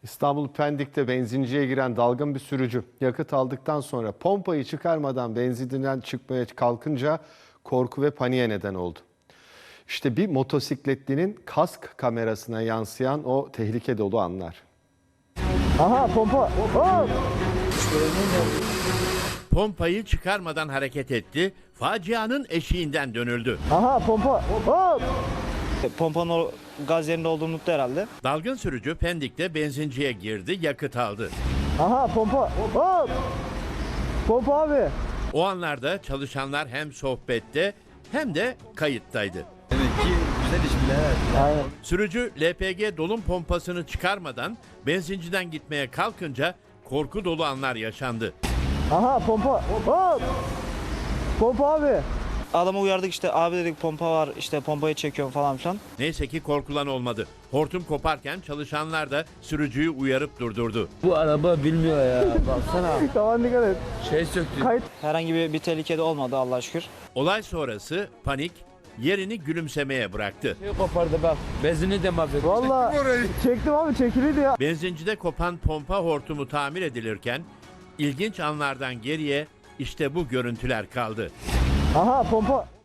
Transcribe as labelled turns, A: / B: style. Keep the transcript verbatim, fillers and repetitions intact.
A: İstanbul Pendik'te benzinciye giren dalgın bir sürücü yakıt aldıktan sonra pompayı çıkarmadan benzinden çıkmaya kalkınca korku ve paniğe neden oldu. İşte bir motosikletlinin kask kamerasına yansıyan o tehlike dolu anlar.
B: Aha pompa. Hop!
C: Pompayı çıkarmadan hareket etti, facianın eşiğinden dönüldü.
B: Aha pompa. Hop!
D: Pompanın o gaz yerinde olduğunu unuttu herhalde.
C: Dalgın sürücü Pendik'te benzinciye girdi, yakıt aldı.
B: Aha pompa. Hop! Pompa abi.
C: O anlarda çalışanlar hem sohbette hem de kayıttaydı.
E: Demek ki güzel iş bile, evet.
B: Aynen.
C: Sürücü L P G dolum pompasını çıkarmadan benzinciden gitmeye kalkınca korku dolu anlar yaşandı.
B: Aha pompa. Hop! Pompa abi.
D: Adamı uyardık, işte abi dedik pompa var, işte pompayı çekiyorum falan filan.
C: Neyse ki korkulan olmadı. Hortum koparken çalışanlar da sürücüyü uyarıp durdurdu.
F: Bu araba bilmiyor ya. Baksana.
B: Tamam dikkat et.
F: Şey söktü.
B: Kayıt.
D: Herhangi bir, bir tehlikede olmadı Allah'a şükür.
C: Olay sonrası panik yerini gülümsemeye bıraktı.
F: Şey kopardı bak. Benzini de mahvetti.
B: Valla çektim abi, çekiliydi ya.
C: Benzincide kopan pompa hortumu tamir edilirken ilginç anlardan geriye işte bu görüntüler kaldı.
B: Aha pompa.